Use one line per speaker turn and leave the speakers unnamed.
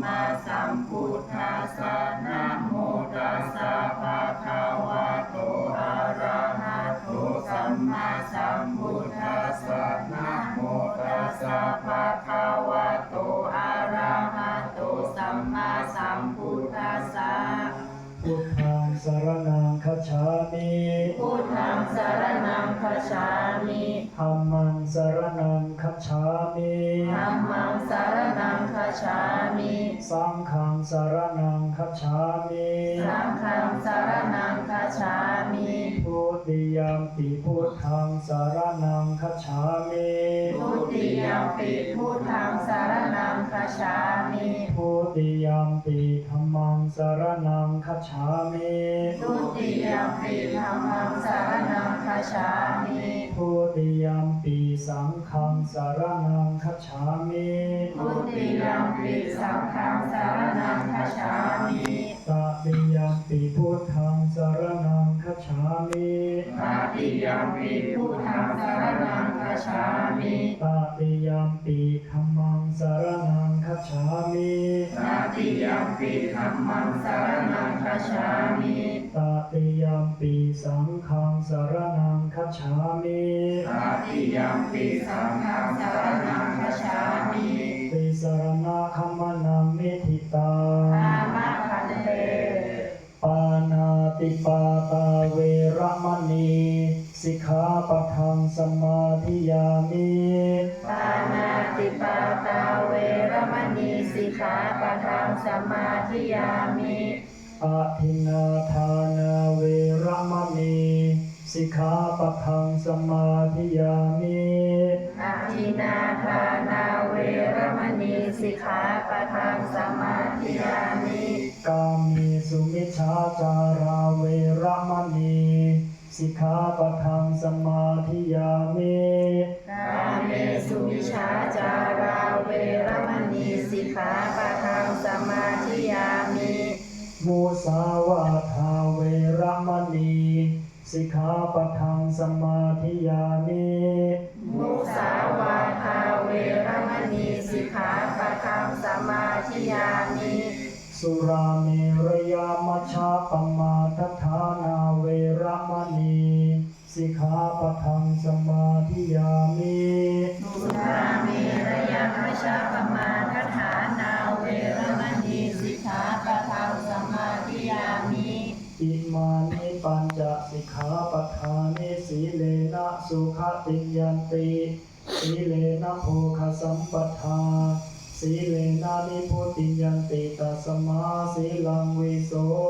มาสัมพุทธัสสะนะโมตัสสะภะคะวะโตอะระหะโตสัมมาสัมพุทธัสสะนะโมตัสสะภะคะวะโตอะระหะโตสัมมาสัมพุทธัสสะ
พุทธังสรณังคัจฉามิ
พุทธังสรณังคัจฉามิ
ธัมมังสรณังคัจฉามิ
ธัมมังสรณังคัจฉามิ
สังฆังสรณังคัจฉามิ
สังฆังสรณังคัจฉามิ
ทุติยัมปิพุทธังสรณังคัจฉามิ
ทุติยัมปิพุทธังสรณังคัจฉามิ
ทุติยัมปิธัมมังสรณังคัจฉามิ
ทุติยัมปิธัมมังสรณังคัจฉามิ
ทุติยัมปิสังฆังสรณังคัจฉามิ
ทุติยัมปิสังฆังสรณังคัจฉามิ
ตติยัมปิพุทธังสรณังคัจฉามิ
ตติยัมปิพุทธังสรณังคัจฉามิ
ตติยัมปิธัมมังสรณังคัจฉามิ
ตติยัมปิธัมมังสรณังคัจฉามิ
ตติยัมปิสังฆังสรณังคัจฉามิ
ตติยัมปิสังฆังสรณังคัจฉามิ
ติสรณะคัมมนังนิธิตา
อามะคันเต
ปานาติปาตาเวระมณีสิกขาปะทังสมาธิยามิ
ปานาติปาตาเวรมณีสิกขาปะทังสมาธิยามิ
อะทินนาทานาเวระมณีสิกขาปะทังสมาธิยามิ
อาทินาทานาเวรมณีสิกขาปะทังสมาธิยามิ
กามีสุมิชฌาจาราเวระมณีสิกขาปะทังสมาธิยามิ
กาเมสุวิชฌาจาราเวรมณีสิกขาปะทังสมาธิยามิ
มุสาวาทาเวระมณีสิกขาปะทังสมาธิยามิ
มุสาวาทาเวรมณีสิกขาปะทังสมาธิยามิ
สุราเมรยามัชฌะปมาทฐานาเวระมณีสิกขาปะทังสมาธิยามิ
สุราเมรยมัชฌะปมาทฐานาเวรมณีสิกขาปะทังสมาธิยามิ
อิมานิปัญจสิกขาปทานิสีเลนะสุขติยันติสีเลนะโภคสัมปทาสีเลนะนิพุติยันติตัสมาสีลังวิโส